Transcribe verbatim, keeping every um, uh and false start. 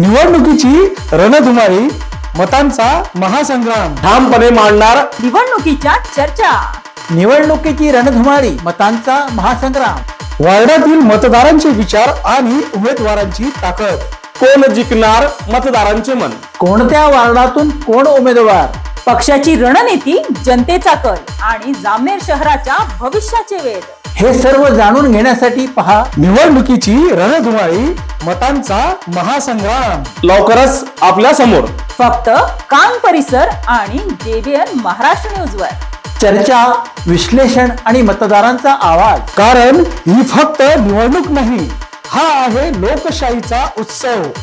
निवडणुकीची रणधुमाळी, मतांचा महासंग्राम, ठामपणे मांडणार निवडणुकीच्या चर्चा, निवडणुकीची रणधुमाळी, मतांचा महासंग्राम, वार्डातील मतदारांचे विचार आणि उमेदवारांची ताकद, कोण जिंकणार मतदारांचे मन, कोणत्या वार्डातून कोण उमेदवार, पक्षाची रणनीती, जनतेचा कल आणि जामनेर शहराच्या भविष्याचे वेध, हे सर्व जाणून घेण्यासाठी पहा निवडणुकीची रणधुमाळी, मतांचा महासंग्राम. लवकरच आपल्या समोर. फक्त कान परिसर आणि जेबीएन महाराष्ट्र न्यूज वर. चर्चा, विश्लेषण आणि मतदारांचा आवाज. कारण ही फक्त निवडणूक नाही, हा आहे लोकशाहीचा उत्सव.